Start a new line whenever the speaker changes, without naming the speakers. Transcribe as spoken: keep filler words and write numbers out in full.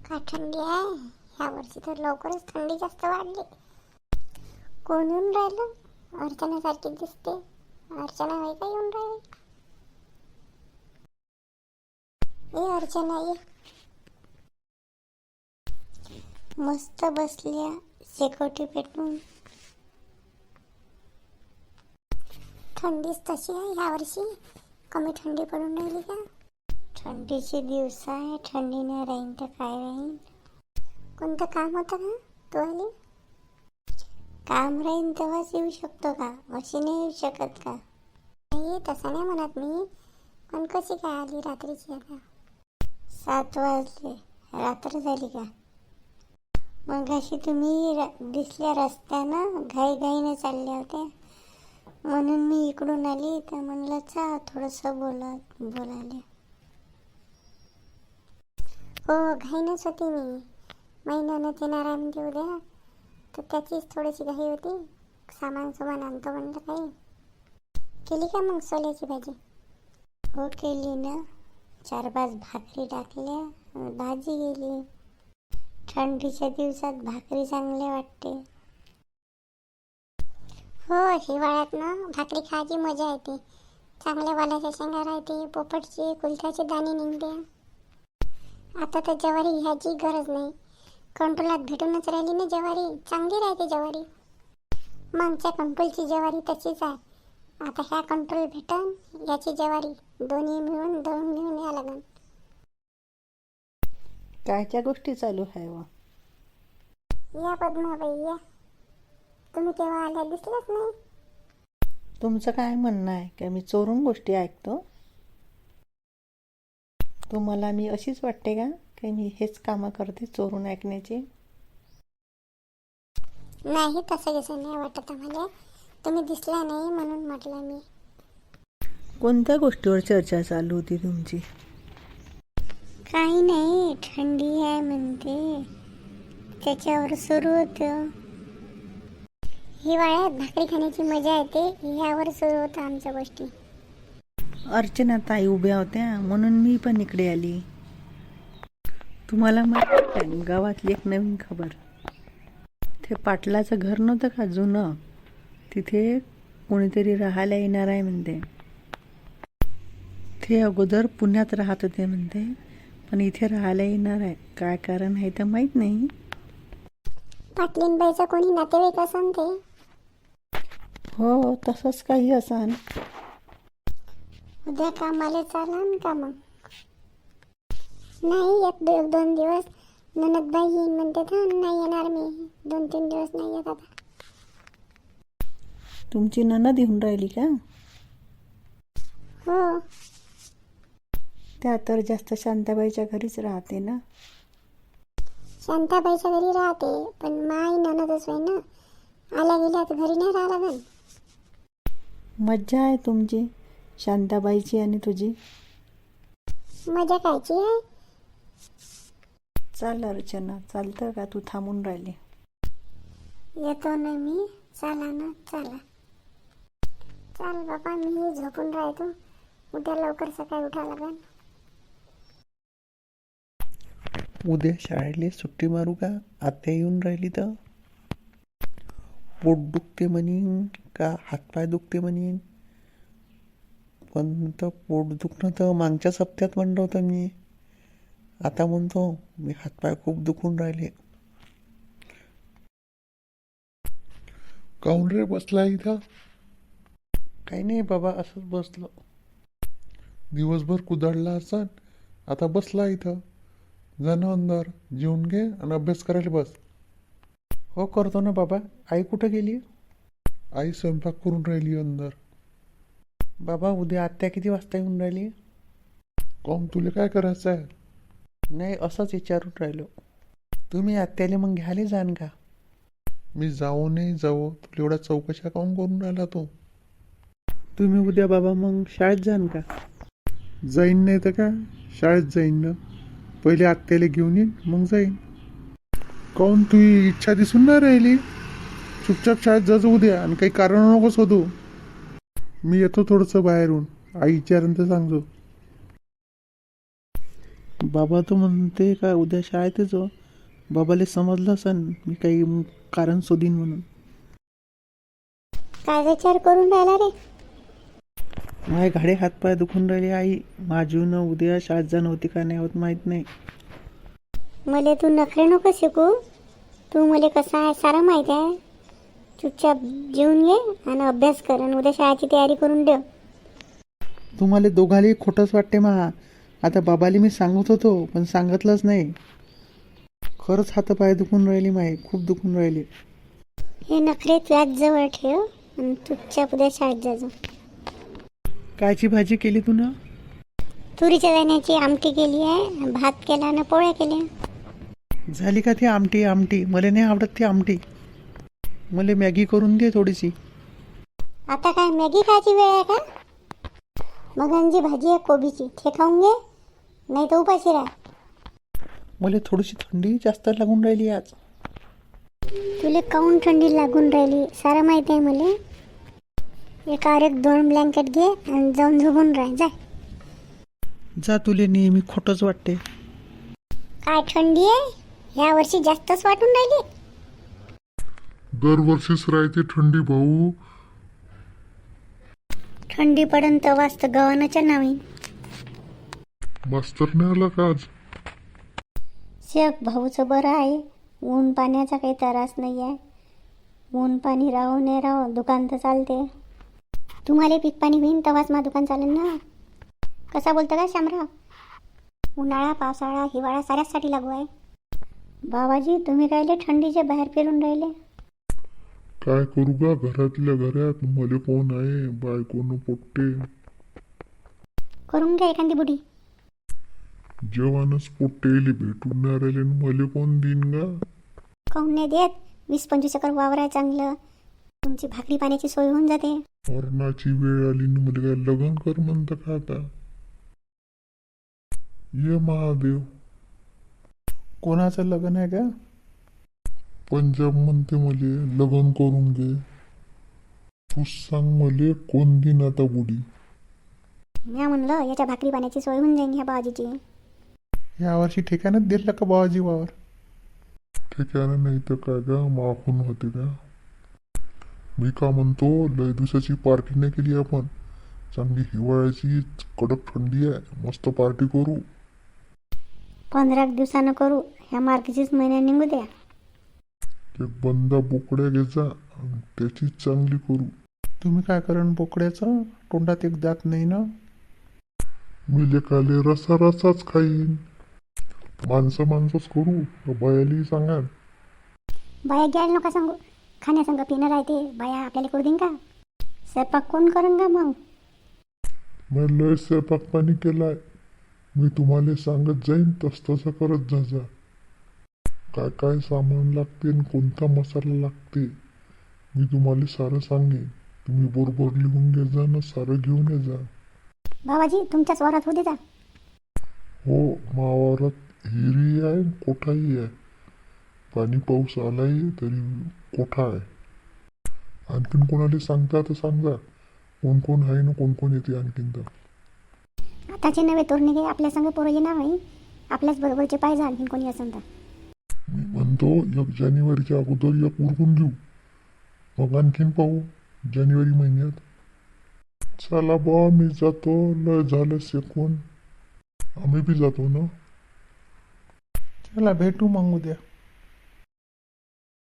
काय थंडी आहे ह्या वर्षी, तर लवकरच थंडी जास्त वाढली. कोण येऊन राहिलं? अर्चना सारखी दिसते. अर्चना होय का येऊन राहिली? ए अर्चना ये. मस्त बसल्या शेकोटी पेटून. थंडीच तशी आहे ह्या वर्षी, कमी थंडी पडून राहिली का? थंडीचे दिवस आहे, थंडी नाही राहीन तर काय राहीन. कोणतं काम होतं का तू आली? काम राहीन तेव्हाच येऊ शकतो का, अशी नाही येऊ शकत का? नाही तसं नाही म्हणत मी, पण कशी काय आली रात्रीची? आता सात वाजले, रात्र झाली का? मग अशी तुम्ही दिसल्या रस्त्यानं घाईघाईने चालल्या होत्या, म्हणून मी इकडून आली. तर म्हणलं चा थोडंसं बोलत बोलायला. हो घाईनच होती मी, महिन्यानं येणार आहे म्हणजे उद्या, तर त्याचीच थोडीशी घाई होती. सामान सुमान आणतो म्हणलं. काही केली का मग सोल्याची भाजी? हो केली ना, चार पाच भाकरी टाकल्या, भाजी गेली. थंडीच्या दिवसात भाकरी चांगले वाटते. हो हिवाळ्यात ना भाकरी खायची मजा येते. चांगल्या वालाच्या शेंगा राहते, पोपटचे कुलथ्याचे दाणे निघते. आता तर ज्वारी ह्याची गरज नाही, कंट्रोलात भेटूनच राहिली ना ज्वारी, चांगली राहते ज्वारी. मागच्या कंट्रोलची ज्वारी तशीच आहे, आता ह्या कंट्रोल भेटन याची ज्वारी, दोन्ही मिळून दळून घेऊन या लागन.
कायच्या गोष्टी चालू आहे व?
या पद्माबाई या, तुम्ही केव्हा आल्या दिसलेच नाही.
तुमचं काय म्हणणं आहे का मी चोरून गोष्टी ऐकतो? तुम्हाला मी अशीच वाटते का की मी हेच कामं करते चोरून ऐकण्याची?
नाही तसं कसं नाही वाटत आम्हाला, तुम्ही दिसला नाही म्हणून म्हटलं मी.
कोणत्या गोष्टीवर चर्चा चालू होती तुमची?
काही नाही, थंडी आहे म्हणते त्याच्यावर सुरू होतं. हिवाळ्यात भाकरी खाण्याची मजा येते, ह्यावर सुरू होतं आमच्या गोष्टी.
अर्चना ताई उभ्या होत्या म्हणून मी पण इकडे आली. तुम्हाला माहिती आहे गावातली एक नवीन खबर? ते पाटलाचं घर नव्हतं का जुनं, तिथे कोणीतरी राहायला येणार आहे म्हणते. ते अगोदर पुण्यात राहत होते म्हणते, पण इथे राहायला येणार आहे. काय कारण आहे तर माहीत नाही.
पाटलीनबाईचा कोणी नातेवाईक असन ते?
हो तसंच काही असन.
उद्या कामाला चालन का मग? नाही एक दो, दोन दिवस ननदबाई येईन म्हणते तर नाही येणार मी, दोन तीन दिवस नाही येत आता.
तुमची नणद येऊन राहिली का?
हो.
त्या तर जास्त शांताबाईच्या घरीच राहते ना.
शांताबाईच्या घरी राहते, पण माई ननदच आहे ना, आल्या गेल्या तर घरी नाही राहा लागन.
मज्जा आहे तुमची शांताबाईची आणि तुझी.
मजा कायची आहे?
चाल अर्चना, चालतं का तू थांबून राहिली?
येतो ना मी, चला ना चला. चाल बाबा, मी झोपून राहतो, उद्या लवकर सकाळी उठा लागन.
उद्या शाळेला सुट्टी मारू का? आत्या येऊन राहिली तर. पोट दुखते म्हणीन का हातपाय दुखते म्हणीन, पण तर पोट दुखणं तर मागच्याच हप्त्यात म्हणलं होतं मी. आता म्हणतो मी हातपाय खूप दुखून राहिले. काऊन रे बसला इथं? काही नाही बाबा, असंच बसलो. दिवसभर कुदाडला असन, आता बसला इथं. जाणं अंदर, जेवून घे आणि अभ्यास करायला बस.
हो करतो ना बाबा. आई कुठं गेली?
आई स्वयंपाक करून राहिली अंदर.
बाबा उद्या आत्या किती वाजता येऊन राहिली?
काऊन तुला काय करायचं आहे?
नाही असंच विचारून राहिलो. तुम्ही आत्याला मग घ्यायला जाण का?
मी जाऊ नाही जाऊ, तुला एवढ्या चौकशा काऊन करून राहिला तो?
तुम्ही उद्या बाबा मग शाळेत जाण का?
जाईन नाही तर का, शाळेत जाईन ना. पहिले आत्याला घेऊन येईन मग जाईन. काऊन तुझी इच्छा दिसून नाही राहिली? चुपचाप शाळेत जायचं उद्या आणि काही कारण नकोस होतो. मी येतो थोडंसं बाहेरून, आई विचारेन तर सांगतो. बाबा तो म्हणते का उद्या शाळेत जो बाबाले समजलं असन मी काही कारण शोधीन म्हणून.
काय विचार करून राहिला रे?
माझे घाडे हातपाय दुखून राहिले आई. माझून उद्या शाळेत जाणं होती का नाही होत माहीत नाही.
मले तू नखरे नको शिकू. तू मले कसा आहे सारा माहिती आहे. चुपचाप जेवून घे आणि अभ्यास कर आणि उद्या शाळेची तयारी करून ठेव.
तुम्हाला दोघाले खोटंच वाटते मा. आता बाबाले मी सांगत होतो पण सांगितलंच नाही. खरंच हातपाय दुखून राहिली माय, खूप दुखून राहिले.
हे नखरे तुझ्याच जवळ ठेव आणि चुपचाप उद्या शाळेत जाजो.
कायची भाजी केली तू ना?
तुरीच्या दाण्याची आमटी केली आहे, भात केला आणि पोळ्या केल्या.
झाली का ती आमटी? आमटी मला नाही आवडत ती आमटी. मला मॅगी करून दे थोडीशी.
आता काय मॅगी खायची वेळ आहे का? मगांची भाजी आहे कोबीची, ते खाऊन घे नाही तर उपाशी राह.
मला थोडीशी थंडी जास्त लागून राहिली आज.
तुला काऊन थंडी लागून राहिली सारं माहिती आहे मला. एका एक दोन ब्लँकेट घे आणि जाऊन झोपून राह. जाय.
जा, तुले नेहमी खोटंच वाटते.
काय थंडी आहे या वर्षी जास्तच वाटून राहिली.
दरवर्षीच राहते थंडी भाऊ.
थंडी पडन तेव्हाच तर गव्हाणाच्या नावी.
मास्तर नाही आला का आज?
शेख भाऊचं बरं आहे. ऊन पाण्याचा काही त्रास नाही आहे. ऊन पाणी राहो नाही राहो दुकान तर चालते. तुम्हाला पीक पाणी होईन तेव्हाच मा दुकान चालेल ना. कसा बोलतं का शामराव? उन्हाळा पावसाळा हिवाळा साऱ्यासाठी लागू आहे. बाबाजी तुम्ही कायले थंडीचे बाहेर फिरून राहिले?
काय करू का, घरातल्या घरात मले कोण आहे, बायकोनं पोट्टे.
करून घ्या एखादी बुढी.
जेवणच पोट्टेली भेटून नाही राहिले न मले कोण देईन गा.
काऊन नाही देत? वीस पंचवीस एकर वावर आहे चांगलं. तुमची भाकरी पाण्याची सोय होऊन जाते.
मरणाची वेळ आली न मले काय लग्न कर म्हणतं का आता? ये महादेव.
कोणाचं लग्न आहे का?
पंजाब म्हणते मले लग्न करून घे. तू सांग मले कोण दिन आता बुडी.
मी म्हणलं याच्या भाकरी पाण्याची सोय होऊन जाईन ह्या बाबाजीची.
यावर्षी ठिकाणच दिलं का बाबाजी वावर?
ठिकाणं नाही तर काय गा, मागून होते का? मी का म्हणतो, लय दिवसाची पार्टी नाही केली आपण. चांगली हिवाळ्याची कडक थंडी आहे, मस्त पार्टी करू.
पंधरा दिवसानं करू. ह्या मार्गशीच महिन्यात निघू द्या.
एक बंदा बोकड्या घ्यायचा आणि त्याची चांगली करू.
तुम्ही काय करण बोकड्याचं? तोंडात एक दात नाही ना.
मी लेकाले रसा रसाच खाईन. माणसं माणसंच करू, बायाली सांगा.
बाया घ्यायला नका सांगू. खाण्यासंग पिणं राहते. बाया आपल्याला करू देईन का? स्वयंपाक कोण करून का मग?
मी लय स्वयंपाक पाणी केलाय. मी तुम्हाला सांगत जाईन तस तसं करत जा जा. काय काय सामान लागते आणि कोणता मसाला लागते मी तुम्हाला सारं सांगेन. तुम्ही बरोबर लिहून घे जा ना, सारं घेऊन ये जा.
बाबाजी तुमच्याच वारात होते का?
हो, मावारात हिरी आहे कोठाही आहे. पाणी पाऊस आलाय तरी कोठा आहे. आणखीन कोणाला सांगता तर सांगा, कोण कोण आहे ना कोण कोण येते आणखीन. तर
आताचे नवे तोरणे गे आपल्या संग पोरं येणार नाही. आपल्याच बरोबरचे पाहिजे आणखीन कोणी असेल तर.
मी म्हणतो एक जानेवारीच्या अगोदर एक उरकून घेऊ, मग आणखीन पाहू जानेवारी महिन्यात. चला बा, मी जातो. लय झालं शेकून. आम्ही बी जातो ना.
चला भेटू मग उद्या.